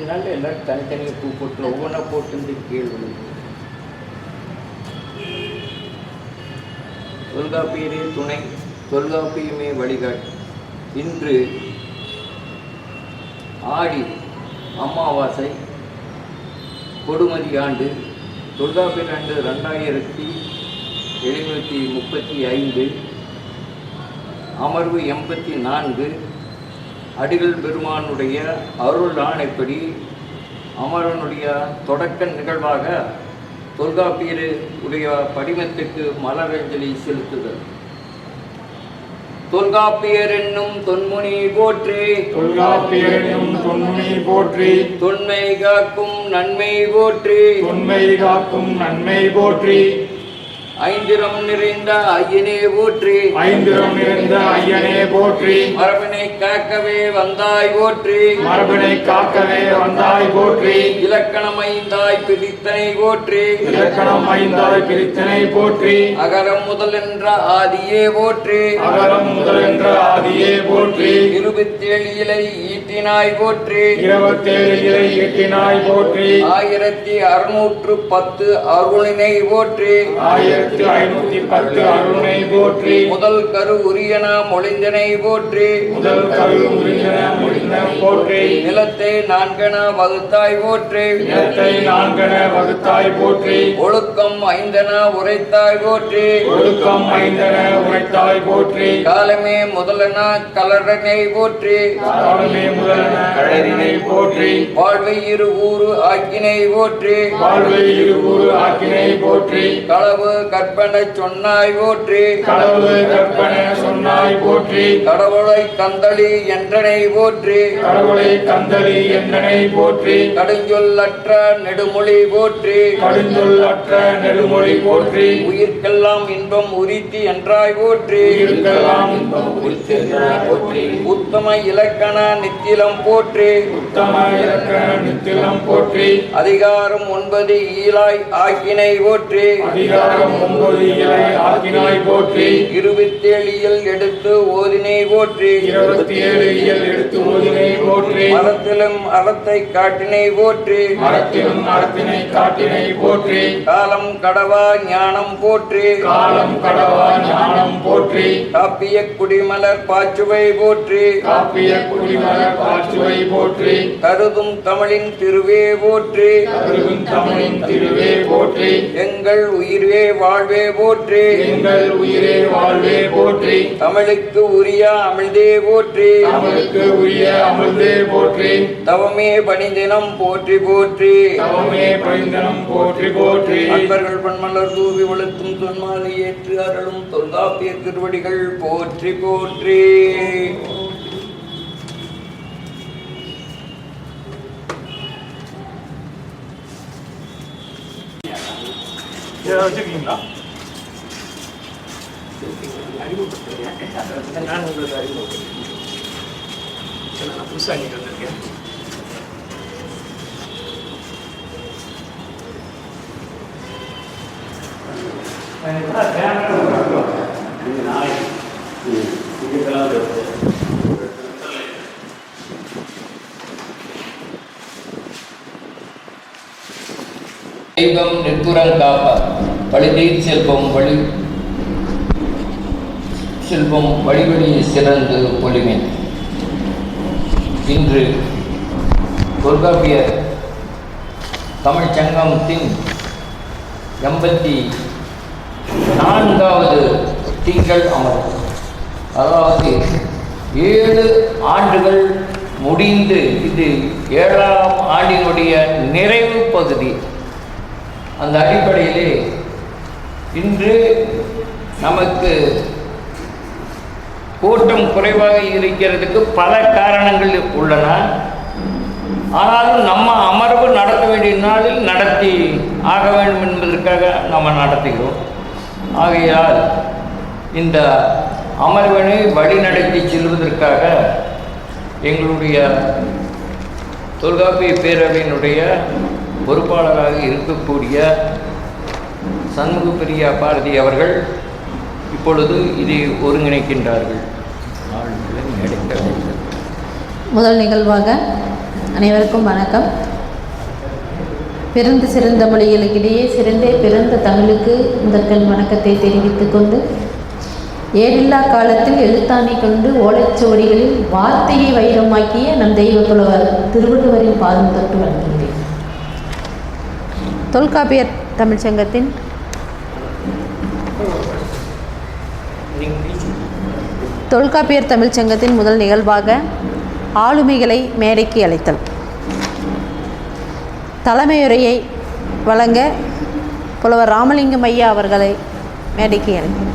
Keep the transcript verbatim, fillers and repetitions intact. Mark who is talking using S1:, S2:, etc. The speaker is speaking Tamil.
S1: நாள் எல்லோரும் தனித்தனியாக பூ போட்டு ஒவ்வொன்றா போட்டு கீழ் விழுந்து தொல்காப்பியரே துணை தொல்காப்பியமே வழிகாட்டு. இன்று ஆடி அமாவாசை கொடுமதி ஆண்டு தொல்காப்பியர் ஆண்டு ரெண்டாயிரத்தி எழுநூற்றி முப்பத்தி ஐந்து அமர்வு எண்பத்தி நான்கு. அடிகள் பெருமானுடைய அருள் ஆணைப்படி அமரனுடைய தொடக்க நிகழ்வாக தொல்காப்பியர் உடைய படிமத்துக்கு மலரஞ்சலி செலுத்துதல். தொல்காப்பியர் என்னும் தொன்முனி போற்றி,
S2: தொல்காப்பியர் என்னும் தொன்முனி போற்றி,
S1: தொன்மை காக்கும் நன்மை போற்றி,
S2: தொன்மை காக்கும் நன்மை போற்றி,
S1: ஐந்திரம் நிறைந்த ஐயனே போற்றி,
S2: ஐந்திரம் நிறைந்த ஐயனே போற்றி,
S1: மரபினை காக்கவே வந்தாய் போற்றி,
S2: மரபினை காக்கவே வந்தாய் போற்றி,
S1: இலக்கணம் ஐந்தாய் பிரித்தனை போற்றி,
S2: இலக்கணம் ஐந்தாய் பிரித்தனை போற்றி,
S1: அகரம் முதல் என்ற ஆதியே போற்றி,
S2: அகரம் முதல் என்ற ஆதியே போற்றி,
S1: இருபத்தேழு இலை ஈட்டினாய் போற்றி,
S2: இருபத்தேழு இலை ஈட்டினாய் போற்றி,
S1: ஆயிரத்தி அறுநூற்று பத்து அருளினை போற்றி,
S2: ஆயிரத்தி ஐநூத்தி பத்து அருணை போற்றி,
S1: முதல் கரு உரியன மொழிந்தனை போற்றி,
S2: முதல் கரு உரியன மொழிந்த போற்றி,
S1: நிலத்தை நான்கென வகுத்தாய் போற்றி,
S2: நிலத்தை நான்கென வகுத்தாய் போற்றி,
S1: ஒழுக்கம் ஐந்தென உரைத்தாய் போற்றி,
S2: ஒழுக்கம் ஐந்தென உரைத்தாய் போற்றி,
S1: காலமே முதலென கலரனை போற்றி,
S2: காலமே முதலென கழறினை போற்றி,
S1: வாழ்வை இரு ஊரு ஆக்கினை போற்றி,
S2: வாழ்வை இருகூறு ஆக்கினை போற்றி,
S1: களவு கற்பனை சொன்னாய் போற்றி,
S2: களவு கற்பனை சொன்னாய் போற்றி,
S1: கடவுளை கந்தளி என்றனை போற்றி,
S2: கடவுளை கந்தளி என்றனை போற்றி,
S1: கடுஞ்சொல்லற்ற நெடுமொழி போற்றி,
S2: கடுஞ்சொல்லற்ற நெடுமொழி போற்றி,
S1: உயிர்க்கெல்லாம் இன்பம் உரித்தி என்றாய் போற்றி,
S2: உயிர்க்கெல்லாம் இன்பம் உரித்தி என்றாய் போற்றி,
S1: உத்தம இலக்கண நித்திலம் போற்றி,
S2: உத்தம இலக்கண நித்திலம் போற்றி,
S1: அதிகாரம் ஒன்பது ஈலாய் ஆக்கினை போற்றி,
S2: அதிகாரம் ஒன்பது இலை ஆக்கினாய் போற்றி,
S1: இருபத்தேழு இயல் எடுத்து ஓதினை போற்றி,
S2: இருபத்தி ஏழு இயல் எடுத்து ஓதினை போற்றி,
S1: மரத்திலும் அறத்தை காட்டினை போற்றி,
S2: மரத்திலும் அறத்தினை காட்டினை போற்றி,
S1: காலம் கடவா ஞானம் போற்றி,
S2: காலம் கடவா ஞானம் போற்றி,
S1: காப்பிய குடிமலர் பாச்சுவை போற்றி,
S2: காப்பிய குடிமலர் பாச்சுவை போற்றி,
S1: கருதும் தமிழின் திருவே போற்றி,
S2: கருதும் தமிழின் திருவே போற்றி,
S1: எங்கள் உயிர்வே வாழ்வே போற்றி,
S2: எங்கள் உயிரே வாழ்வே போற்றி,
S1: தமிழுக்கு உரிய அமிழ்தே போற்றி,
S2: தமிழுக்கு உரிய அமிழ்தே போற்றி,
S1: தவமே பணிதினம் போற்றி போற்றி,
S2: தவமே பரிந்தனம் போற்றி போற்றி,
S1: அன்பர்கள் பன்மலர் தூவி வளர்த்தும் தொன்மாலை ஏற்று அருளும் தொல்காப்பிய திருவடிகள் போற்றி போற்றி.
S2: வச்சுருக்கீங்களா?
S1: நான் உங்களுக்கு அறிமுகப்படுத்துகிறேன்.
S2: நான் புதுசாக நீங்கள் வந்திருக்கேன்.
S1: தெய்வம் நிற்புறம் காப்பார் பழுதீர் செல்வம் வழி செல்வம் வழிவழி சிறந்து பொலிமை. இன்று தொல்காப்பியர் தமிழ் சங்கமத்தின் எண்பத்தி நான்காவது திங்கள் அமர்வு, அதாவது ஏழு ஆண்டுகள் முடிந்து இது ஏழாம் ஆண்டினுடைய நிறைவு பகுதி. அந்த அடிப்படையிலே இன்று நமக்கு கூட்டம் குறைவாக இருக்கிறதுக்கு பல காரணங்கள் உள்ளன. ஆனாலும் நம்ம அமர்வு நடத்த வேண்டிய நாளில் நடத்தி ஆக வேண்டும் என்பதற்காக நம்ம நடத்துகிறோம். ஆகையால் இந்த அமர்வினை வழிநடத்தி செல்வதற்காக எங்களுடைய தொல்காப்பிய பேரவையினுடைய பொறுப்பாளராக இருக்கக்கூடிய சண்முகப்பிரியா பாரதி அவர்கள் இப்பொழுது இதை ஒருங்கிணைக்கின்றார்கள்.
S3: முதல் நிகழ்வாக அனைவருக்கும் வணக்கம். பிறந்த சிறந்த மொழிகளுக்கிடையே சிறந்தே பிறந்த தமிழுக்கு முதற்கண் வணக்கத்தை தெரிவித்துக் கொண்டு, ஏழில்லா காலத்தில் எழுத்தாணி கொண்டு ஓலைச்சுவடிகளில் வார்த்தையை வைரமாக்கிய நம் தெய்வ புலவர் திருவள்ளுவரின் பாதம் தொட்டு வணங்குகிறேன். தொல்காப்பியர் தமிழ்ச்சங்கத்தின் தொல்காப்பியர் தமிழ்ச்சங்கத்தின் முதல் நிகழ்வாக ஆளுமைகளை மேடைக்கு அழைத்தல். தலைமையுரையை வழங்க புலவர் ராமலிங்கம் ஐயா அவர்களை மேடைக்கு அழைத்தல்.